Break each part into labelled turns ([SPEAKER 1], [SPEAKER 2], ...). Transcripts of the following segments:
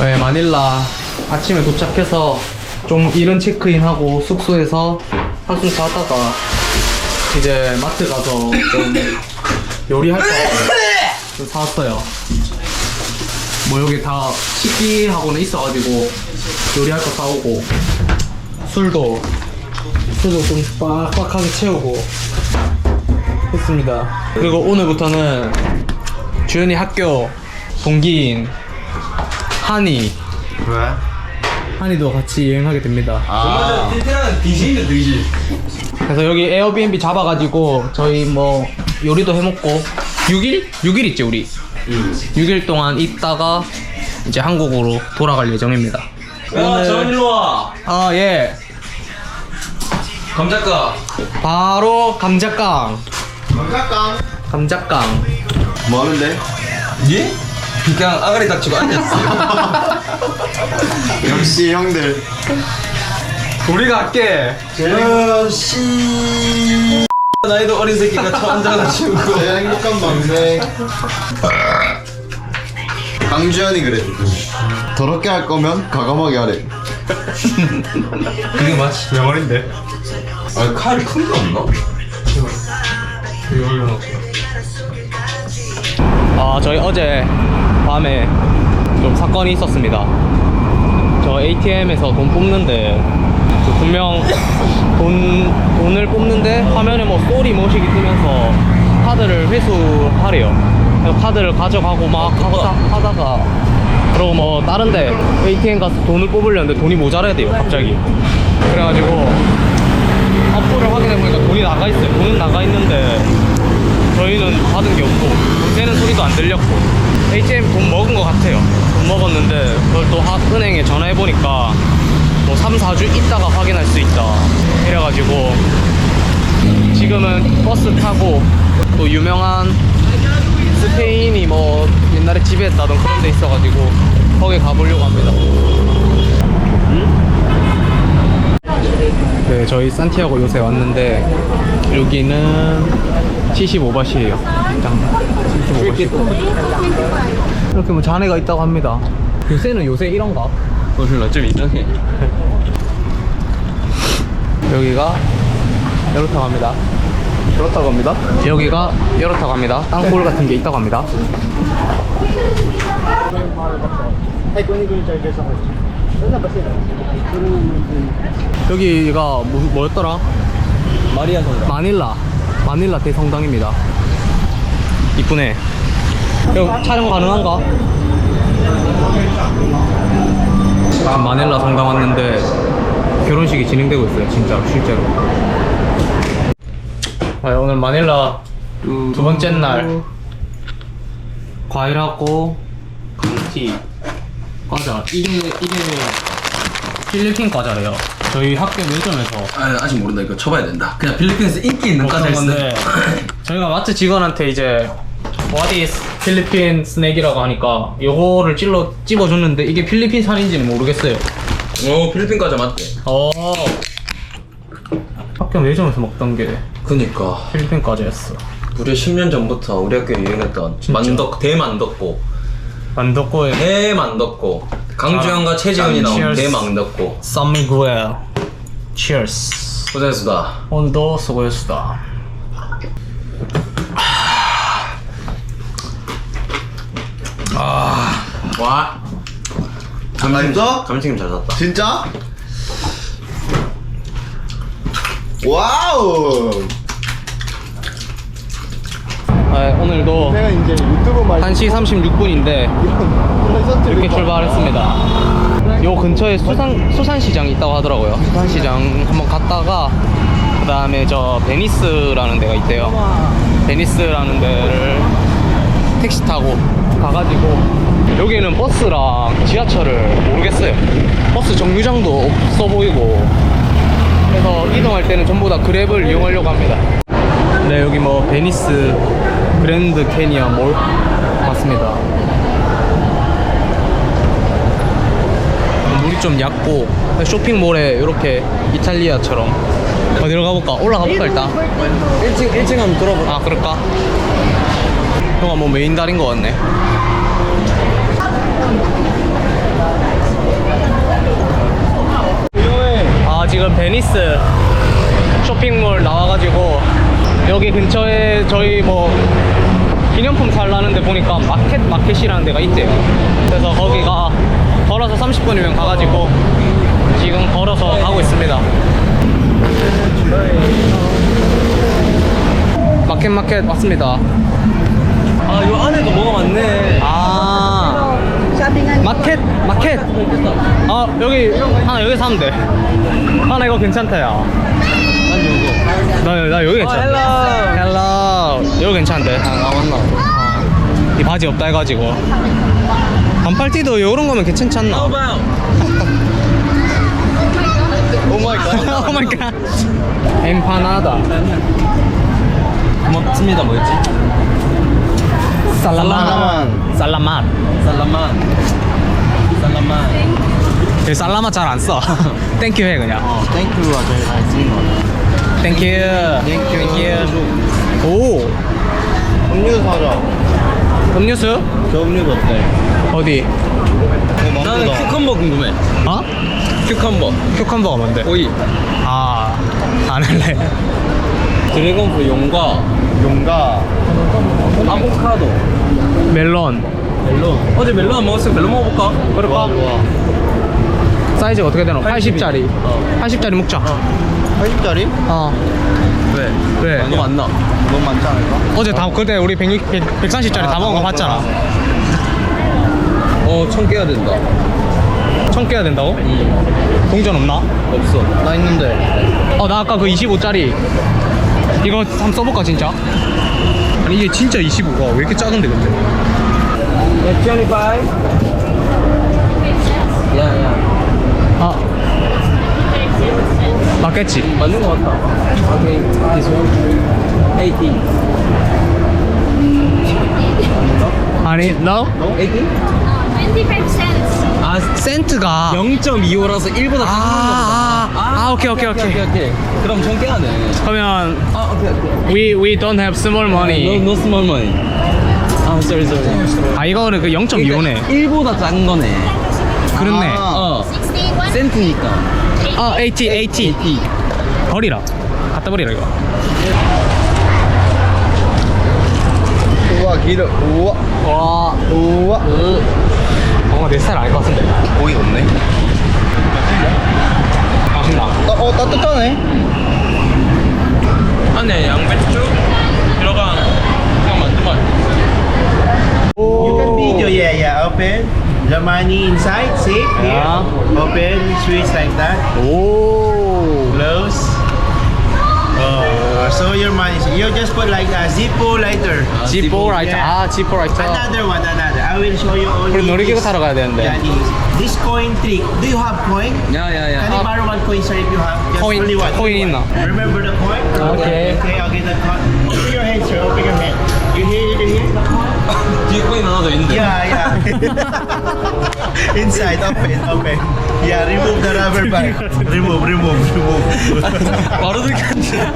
[SPEAKER 1] 네, 마닐라 아침에 도착해서 좀 이른 체크인하고 숙소에서 한숨 자다가 이제 마트 가서 좀 요리할 거 좀 사왔어요. 뭐 여기 다 식기하고는 있어가지고 요리할 거 사오고 술도 좀 빡빡하게 채우고 했습니다. 그리고 오늘부터는 주연이 학교 동기인 한이
[SPEAKER 2] 왜?
[SPEAKER 1] 한이도 같이 여행하게 됩니다.
[SPEAKER 2] 아, 틴틴한 디지인데 디지.
[SPEAKER 1] 그래서 여기 에어비앤비 잡아가지고 저희 뭐 요리도 해먹고 6일 있지 우리. 6일 동안 있다가 이제 한국으로 돌아갈 예정입니다.
[SPEAKER 2] 야, 정한 일로 와.
[SPEAKER 1] 아 예.
[SPEAKER 2] 감자가.
[SPEAKER 1] 바로 감자깡.
[SPEAKER 2] 감자깡.
[SPEAKER 1] 감자깡.
[SPEAKER 2] 뭐 하는데? 예? 그냥 아가리 닥치고 앉았어요. 역시 형들.
[SPEAKER 1] 우리가 할게.
[SPEAKER 2] 씨. 나이도 어린 새끼가 처음 앉아가지고.
[SPEAKER 3] 제가 행복한 밤새 강주현이 그래. 더럽게 할 거면 과감하게 하래.
[SPEAKER 2] 그게 맞지.
[SPEAKER 1] 명언인데.
[SPEAKER 2] 아, 칼이 큰 게 없나?
[SPEAKER 1] 아 저희 어제 밤에 좀 사건이 있었습니다. 저 ATM에서 돈 뽑는데 그 분명 돈을 뽑는데 화면에 뭐 쏘리 뭐식이 뜨면서 카드를 회수하래요. 그래서 카드를 가져가고 막 하다가 그리고 뭐 다른데 ATM 가서 돈을 뽑으려는데 돈이 모자라야 돼요 갑자기. 그래가지고 앞으로 확인해보니까 돈이 나가있어요. 돈은 나가있는데 저희는 받은 게 없고 돈 세는 소리도 안 들렸고 ATM 돈 먹은 것 같아요. 돈 먹었는데 그걸 또 은행에 전화해보니까 뭐 3-4주 있다가 확인할 수 있다 이래가지고 지금은 버스 타고 또 유명한 스페인이 뭐 옛날에 지배했다던 그런 데 있어가지고 거기 가보려고 합니다. 네, 저희 산티아고 요새 왔는데 여기는 75밭이에요. 75밭. 이렇게 뭐 잔해가 있다고 합니다. 요새 이런가?
[SPEAKER 2] 몰라, 좀 이상해.
[SPEAKER 1] 여기가 이렇다고 합니다. 그렇다고 합니다. 여기가 이렇다고 합니다. 땅굴 같은 게 있다고 합니다. 여기가 뭐였더라?
[SPEAKER 2] 마리아 성당.
[SPEAKER 1] 마닐라 대성당입니다. 이쁘네. 여기 촬영 가능한가? 지금 마닐라 성당 왔는데 결혼식이 진행되고 있어요. 진짜로 실제로. 오늘 마닐라 두 번째 날 과일하고 감티 과자. 이게 필리핀 과자래요. 저희 학교 매점에서
[SPEAKER 2] 아, 아직 모른다. 이거 쳐봐야 된다. 그냥 필리핀에서 인기 있는
[SPEAKER 1] 먹던
[SPEAKER 2] 과자
[SPEAKER 1] 건데 저희가 마트 직원한테 이제 What is 필리핀 스낵이라고 하니까 요거를 찝어줬는데 이게 필리핀 산인지는 모르겠어요.
[SPEAKER 2] 오, 필리핀 과자 맞대.
[SPEAKER 1] 학교 매점에서 먹던 게
[SPEAKER 2] 그니까
[SPEAKER 1] 필리핀 과자였어.
[SPEAKER 2] 무려 10년 전부터 우리 학교에 유행했던 대만덕고
[SPEAKER 1] 만덕고에
[SPEAKER 2] 대만덕고 강주현과 최지훈이 나온
[SPEAKER 1] cheers.
[SPEAKER 2] 대만덕고.
[SPEAKER 1] 쌈미구엘 Cheers.
[SPEAKER 2] 고생했습니다.
[SPEAKER 1] 오늘도 수고했습니다.
[SPEAKER 2] 와,
[SPEAKER 3] 진짜?
[SPEAKER 2] 감튀김 잘 샀다.
[SPEAKER 3] 진짜? 와우.
[SPEAKER 1] 오늘도
[SPEAKER 3] 내가 이제 유튜브 말
[SPEAKER 1] 1시 36분인데 이렇게 출발했습니다. 요 근처에 수산시장이 있다고 하더라고요. 수산시장 한번 갔다가 그 다음에 저 베니스라는 데가 있대요. 베니스라는 데를 택시 타고 가가지고 여기는 버스랑 지하철을 모르겠어요. 버스 정류장도 없어 보이고 그래서 이동할 때는 전부 다 그랩을 이용하려고 합니다. 네, 여기 뭐 베니스 그랜드 캐니언 몰 맞습니다. 물이 좀 얕고 쇼핑몰에 이렇게 이탈리아처럼 어디로 가볼까? 올라가 볼까 일단?
[SPEAKER 2] 1층 한번 들어볼까?
[SPEAKER 1] 아 그럴까? 형아 뭐 메인 달인 것 같네. 지금 베니스 쇼핑몰 나와가지고 여기 근처에 저희 뭐 기념품 살라는데 보니까 마켓이라는 데가 있대요. 그래서 거기가 걸어서 30분이면 가가지고 지금 걸어서 가고 있습니다. 마켓 왔습니다.
[SPEAKER 2] 아, 요 안에도 뭐가 많네.
[SPEAKER 1] 아 마켓 여기 하나 여기 사면 돼. 하나 이거 괜찮다 야. 나 여기 괜찮아. 헬로 여기 괜찮은데.
[SPEAKER 2] 나왔나?
[SPEAKER 1] 이 바지 없다 해가지고 반팔티도 요런 거면 괜찮지 않나?
[SPEAKER 2] 봐요.
[SPEAKER 3] 오 마이 갓.
[SPEAKER 1] 오 마이 갓. 엠파나다.
[SPEAKER 2] 고맙습니다. 뭐였지?
[SPEAKER 1] 살라맛.
[SPEAKER 2] 살라만.
[SPEAKER 1] 살라맛 잘 안 써. 땡큐 해 그냥.
[SPEAKER 3] 땡큐가 제일 잘 쓰는 거.
[SPEAKER 1] 땡큐. 오
[SPEAKER 3] 음료수 사자.
[SPEAKER 1] 음료수?
[SPEAKER 3] 저 음료수 어때?
[SPEAKER 1] 어디?
[SPEAKER 2] 나는 큐컴버 궁금해.
[SPEAKER 1] 어?
[SPEAKER 2] 큐컴버.
[SPEAKER 1] 큐컴버가 뭔데?
[SPEAKER 2] 오이.
[SPEAKER 1] 안 할래.
[SPEAKER 2] 드래곤프 용과
[SPEAKER 3] 용가.
[SPEAKER 2] 아보카도.
[SPEAKER 1] 멜론.
[SPEAKER 2] 멜론. 어제 멜론 안 먹었어. 멜론 먹어볼까?
[SPEAKER 1] 그럴까? 사이즈가 어떻게 되나? 80짜리. 80짜리 먹자.
[SPEAKER 3] 80짜리?
[SPEAKER 2] 왜?
[SPEAKER 1] 왜?
[SPEAKER 2] 너무 많나?
[SPEAKER 3] 너무 많지 않을까?
[SPEAKER 1] 어제 다 그때 우리 130짜리 다 먹은 거 봤잖아.
[SPEAKER 2] 1000 깨야 된다.
[SPEAKER 1] 1000 깨야 된다고? 동전 없나?
[SPEAKER 2] 없어.
[SPEAKER 3] 나 있는데.
[SPEAKER 1] 나 아까 그 25짜리 이거 한번 써볼까 진짜? 아니 이게 진짜 25가 왜 이렇게 작은데 근데?
[SPEAKER 2] 25. 야.
[SPEAKER 1] 맞겠지?
[SPEAKER 2] 맞는 거 같다. 오케이. This one. 18.
[SPEAKER 1] 아니 no?
[SPEAKER 2] 18?
[SPEAKER 4] 25 cents.
[SPEAKER 2] 아,
[SPEAKER 1] 센트가
[SPEAKER 2] 0.25라서 1보다 작은
[SPEAKER 1] 오케이.
[SPEAKER 2] 오케이. 그럼 1000 깨야 돼.
[SPEAKER 1] 그러면
[SPEAKER 2] 오케이.
[SPEAKER 1] we don't have small money.
[SPEAKER 2] No small money. 아, sorry.
[SPEAKER 1] 이거는 그 0.25네.
[SPEAKER 2] 1보다 작은 거네.
[SPEAKER 1] 그렇네.
[SPEAKER 4] 61.
[SPEAKER 2] 센트니까.
[SPEAKER 1] 80 버리라. 갖다 버리라 이거.
[SPEAKER 3] 우와 기름. 우와. 우와.
[SPEAKER 1] 뭔가 내 스타일 아닐 것 같은데.
[SPEAKER 3] 고기 없네.
[SPEAKER 1] 맛있나?
[SPEAKER 3] 따뜻하네.
[SPEAKER 2] 안에 양배추 들어간 그냥 만든 맛.
[SPEAKER 5] You can video, yeah. Open the money inside. See? Here.
[SPEAKER 1] Yeah.
[SPEAKER 5] Open, switch like that.
[SPEAKER 1] 오.
[SPEAKER 5] Close. So your money. You just put like a Zippo lighter.
[SPEAKER 1] 지포 라이터.
[SPEAKER 5] Yeah.
[SPEAKER 1] 지포 라이터.
[SPEAKER 5] Another one. I will show you only.
[SPEAKER 1] 우리 놀이기구
[SPEAKER 5] this.
[SPEAKER 1] 타러 가야 되는데.
[SPEAKER 5] Yeah, this coin trick. Do you have coin? Can you borrow one coin, sir, if you have? Just
[SPEAKER 1] Coin-
[SPEAKER 5] only one.
[SPEAKER 1] coin
[SPEAKER 5] Only one.
[SPEAKER 1] 있나?
[SPEAKER 5] Remember the coin?
[SPEAKER 1] Okay.
[SPEAKER 5] Okay, I'll get the coin. Open your hand, sir. Open your hand. You hear?
[SPEAKER 2] 뒤에 코인 하나 더 있는데.
[SPEAKER 5] Yeah. Inside, open. Yeah, remove the rubber band. Remove.
[SPEAKER 2] 바로 들켰네.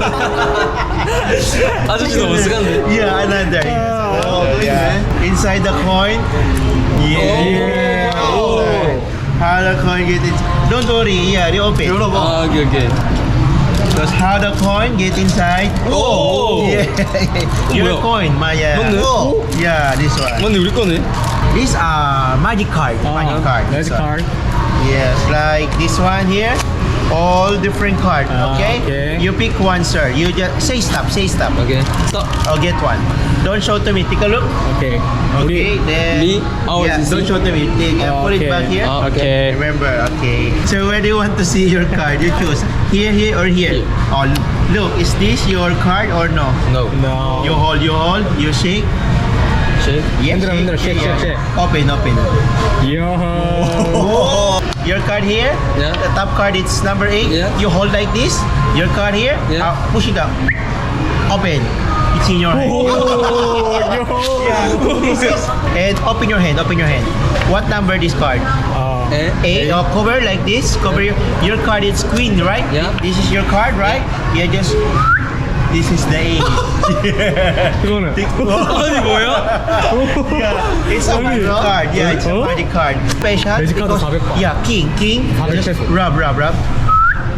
[SPEAKER 2] 아저씨 너무 쓰간데.
[SPEAKER 5] Yeah, another.
[SPEAKER 3] 또 있네.
[SPEAKER 5] Inside the coin. Yeah. How the coin get it? Don't worry. Yeah, reopen.
[SPEAKER 2] 아, 오케이.
[SPEAKER 5] Because how the coin get inside?
[SPEAKER 2] Oh.
[SPEAKER 5] Yeah. Your
[SPEAKER 2] 뭐야?
[SPEAKER 5] coin, Maya.
[SPEAKER 2] 맞네?
[SPEAKER 5] Yeah, this one.
[SPEAKER 2] 맞네, 우리 거네.
[SPEAKER 5] These are magic card. Magic card.
[SPEAKER 1] Magic
[SPEAKER 5] This one.
[SPEAKER 1] card.
[SPEAKER 5] Yes, like this one here. All different card. Okay?
[SPEAKER 1] okay.
[SPEAKER 5] You pick one, sir. You just say stop.
[SPEAKER 2] 오케이. 스톱.
[SPEAKER 5] I'll get one. Don't show to me. Take a look.
[SPEAKER 1] 오케이.
[SPEAKER 5] Okay. Then.
[SPEAKER 2] me? Ours
[SPEAKER 5] Yeah.
[SPEAKER 2] is
[SPEAKER 5] Don't
[SPEAKER 2] me.
[SPEAKER 5] show to me. Take, put it
[SPEAKER 1] Okay.
[SPEAKER 5] back here.
[SPEAKER 1] 오케이.
[SPEAKER 5] Remember. Okay. So where do you want to see your card? You choose here, or here. Oh, look. Is this your card or no?
[SPEAKER 2] No.
[SPEAKER 1] No.
[SPEAKER 5] You hold. You shake.
[SPEAKER 2] 쉐이크.
[SPEAKER 5] Yes.
[SPEAKER 1] 흔들어, shake.
[SPEAKER 5] Open.
[SPEAKER 1] 요.
[SPEAKER 5] Oh. Your card here.
[SPEAKER 2] Yeah.
[SPEAKER 5] The top card is number 8.
[SPEAKER 2] Yeah.
[SPEAKER 5] You hold like this. Your card here.
[SPEAKER 2] Yeah.
[SPEAKER 5] Push it up. Open. It's in your hand. Yeah. This is, and open your hand. What number this card?
[SPEAKER 2] 에?
[SPEAKER 5] 8. Cover like this. Cover your card is queen, right?
[SPEAKER 2] Yeah.
[SPEAKER 5] This is your card, right? Yeah. Just. This is the 8.
[SPEAKER 1] 그거는.
[SPEAKER 2] 아니, 뭐야?
[SPEAKER 5] Yeah, it's a magic card. Yeah, it's a magic card. Special
[SPEAKER 1] Magic card
[SPEAKER 5] because
[SPEAKER 1] 400 바.
[SPEAKER 5] yeah, king.
[SPEAKER 1] 400
[SPEAKER 5] Just
[SPEAKER 1] peso.
[SPEAKER 5] rub.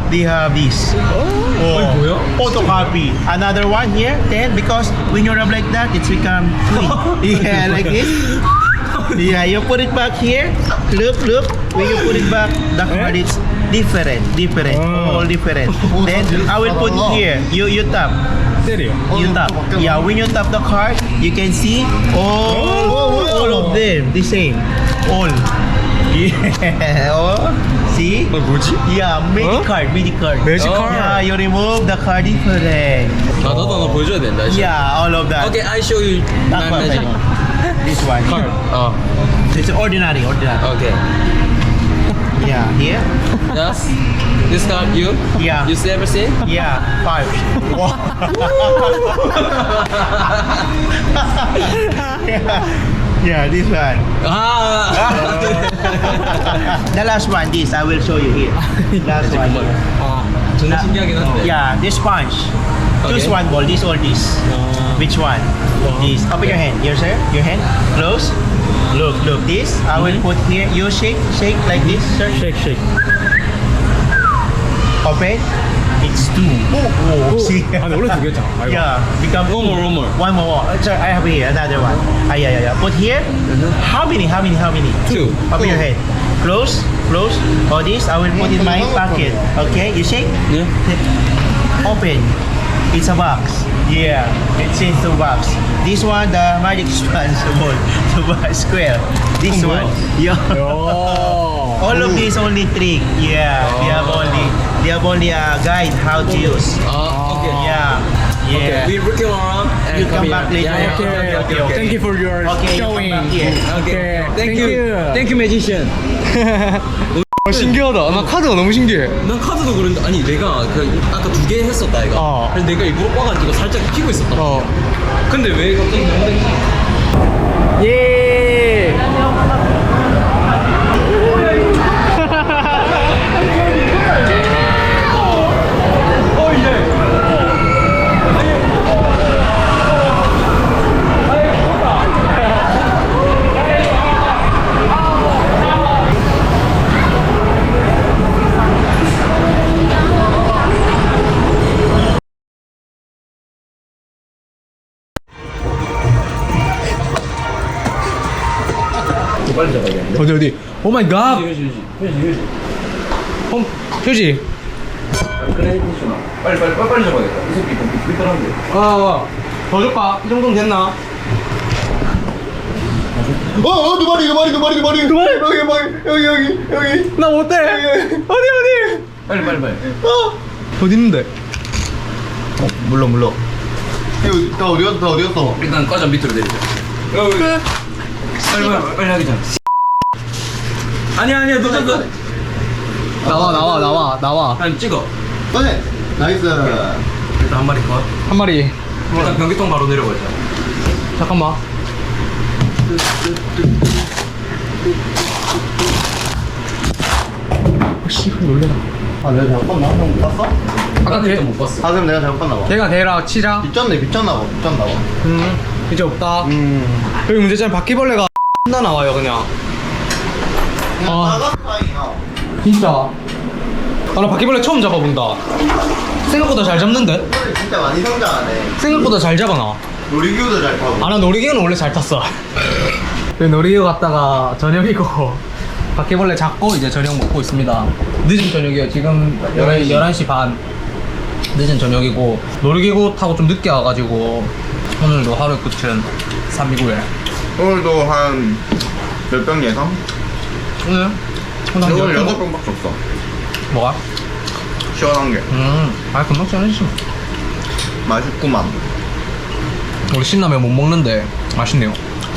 [SPEAKER 5] they have this.
[SPEAKER 1] 뭐야?
[SPEAKER 5] Photocopy. Another one here, 10, because when you rub like that, it's become clean. Yeah, like this. Yeah, you put it back here. Look. When you put it back, the card is different. All different. Then I will put here. You tap.
[SPEAKER 1] 때려.
[SPEAKER 5] You tap. Yeah, when you tap the card, you can see all of them the same. All. Yeah. Oh, see?
[SPEAKER 1] 뭐지?
[SPEAKER 5] Yeah, magic card.
[SPEAKER 1] Magic card?
[SPEAKER 5] Yeah, you remove the card different.
[SPEAKER 2] 아 나도 하나 보여줘야 된다. 이제.
[SPEAKER 5] Yeah, all of that.
[SPEAKER 2] Okay, I show you
[SPEAKER 5] That
[SPEAKER 2] my
[SPEAKER 5] one.
[SPEAKER 2] magic.
[SPEAKER 5] This one. Here.
[SPEAKER 2] 어.
[SPEAKER 5] It's ordinary.
[SPEAKER 2] Okay.
[SPEAKER 5] Yeah, here.
[SPEAKER 2] Yes. This card you?
[SPEAKER 5] Yeah.
[SPEAKER 2] You see everything?
[SPEAKER 5] Yeah, 5. yeah, this one.
[SPEAKER 2] 아.
[SPEAKER 5] The last one, this I will show you here. Last one.
[SPEAKER 2] 아 정말 신기하긴 한데.
[SPEAKER 5] Yeah, this sponge. Choose
[SPEAKER 2] Okay.
[SPEAKER 5] one ball, this or this. Which one? This. Open your hand. Here, sir. Your hand. Close. Look. This I will put here. You shake like this, sir.
[SPEAKER 1] Shake.
[SPEAKER 5] Open. It's 2. Oh, see.
[SPEAKER 1] 아니 원래 두 개잖아. 아이고.
[SPEAKER 5] Yeah, become
[SPEAKER 2] One more.
[SPEAKER 5] One more. Sir, I have here another one. Yeah. Put here. How many?
[SPEAKER 2] 2.
[SPEAKER 5] Open your head. Close. Or this, I will put in my pocket. Okay, you shake.
[SPEAKER 2] Yeah.
[SPEAKER 5] Open. It's a box. Yeah, it's in the box. This one, the magic sponge ball, the box square. This one. Yeah.
[SPEAKER 1] 오.
[SPEAKER 5] All of these only trick. Yeah, they have only a guide how to use.
[SPEAKER 2] Okay.
[SPEAKER 5] Yeah.
[SPEAKER 2] Okay. We looking around and
[SPEAKER 5] You come back later.
[SPEAKER 2] Yeah. Okay.
[SPEAKER 1] Thank you for your
[SPEAKER 5] Okay, you come
[SPEAKER 1] showing.
[SPEAKER 5] back here.
[SPEAKER 2] Okay. Thank you, magician.
[SPEAKER 1] 신기하다. 나 카드가 너무 신기해.
[SPEAKER 2] 난 카드도 그런데 아니 내가 그 아까 2개 했었다 이거.
[SPEAKER 1] 어.
[SPEAKER 2] 그래서 내가 일부러 꽈가지고 살짝 피고 있었다. 근데 왜 갑자기 너무
[SPEAKER 1] 예.
[SPEAKER 2] 빨리 잡아야겠는데.
[SPEAKER 1] 어디? 오 마이 갓. 휴지.
[SPEAKER 2] 크레디티슈나. 빨리 잡아야겠다. 이 새끼 너무 삐뚤한데.
[SPEAKER 1] 더 줄까? 이 정도면 됐나?
[SPEAKER 3] 두 마리 여기
[SPEAKER 1] 나 못해. 어디?
[SPEAKER 2] 빨리.
[SPEAKER 1] 어디 있는데?
[SPEAKER 3] 물러 이거 다 어디 갔어?
[SPEAKER 2] 일단 과자 밑으로 내리자. 빨리 하기 전. 아니야 놓쳤어.
[SPEAKER 1] 나와.
[SPEAKER 2] 난 찍어.
[SPEAKER 3] 꺼내 나이스
[SPEAKER 2] 일단 한 마리 컷.
[SPEAKER 1] 한 마리.
[SPEAKER 2] 일단 변기통 바로 내려보자.
[SPEAKER 1] 잠깐만. 씨발 놀래라.
[SPEAKER 3] 아 내가 잘못 봤나? 형 못 봤어?
[SPEAKER 1] 아까 걔,
[SPEAKER 2] 못 봤어.
[SPEAKER 3] 아 그럼 내가 잘못 봤나 봐
[SPEAKER 1] 걔가 걔랑 치자.
[SPEAKER 3] 비쳤나 봐
[SPEAKER 1] 이제 없다. 여기 문제점 바퀴벌레가 나 나와요 그냥. 아 진짜. 아, 나 바퀴벌레 처음 잡아본다. 생각보다 잘 잡는데?
[SPEAKER 3] 진짜 많이 성장하네
[SPEAKER 1] 생각보다 잘 잡아놔.
[SPEAKER 3] 놀이기구도 잘 타고
[SPEAKER 1] 아, 나 놀이기구는 원래 잘 탔어. 놀이기구 갔다가 저녁이고 바퀴벌레 잡고 이제 저녁 먹고 있습니다. 늦은 저녁이에요. 지금 11시 반. 늦은 저녁이고 놀이기구 타고 좀 늦게 와가지고 오늘도 하루 끝은 329에
[SPEAKER 3] 오늘도 한 몇 병 예상?
[SPEAKER 1] 오늘?
[SPEAKER 3] 오늘 6병밖에 없어
[SPEAKER 1] 뭐가?
[SPEAKER 3] 시원한 게
[SPEAKER 1] 아 금방 시원해지지 뭐.
[SPEAKER 3] 맛있구만
[SPEAKER 1] 우리 신라면 못 먹는데 맛있네요.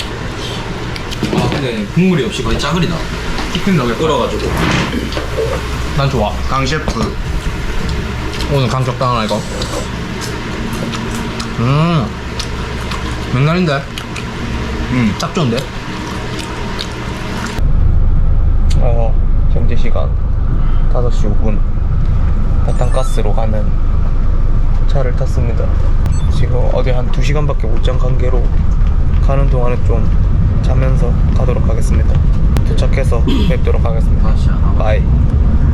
[SPEAKER 2] 아 근데 국물이 없이 거의 짜글이다.
[SPEAKER 1] 치킨 너겟
[SPEAKER 2] 끓어가지고.
[SPEAKER 1] 난 좋아.
[SPEAKER 3] 강 셰프
[SPEAKER 1] 오늘 강 적당하나 이거? 맥날인데? 딱 좋은데? 현재 시간 5시 5분 바탄가스로 가는 차를 탔습니다. 지금 어디 한 2시간밖에 못 잔 관계로 가는 동안에 좀 자면서 가도록 하겠습니다. 도착해서 뵙도록 하겠습니다. 바이.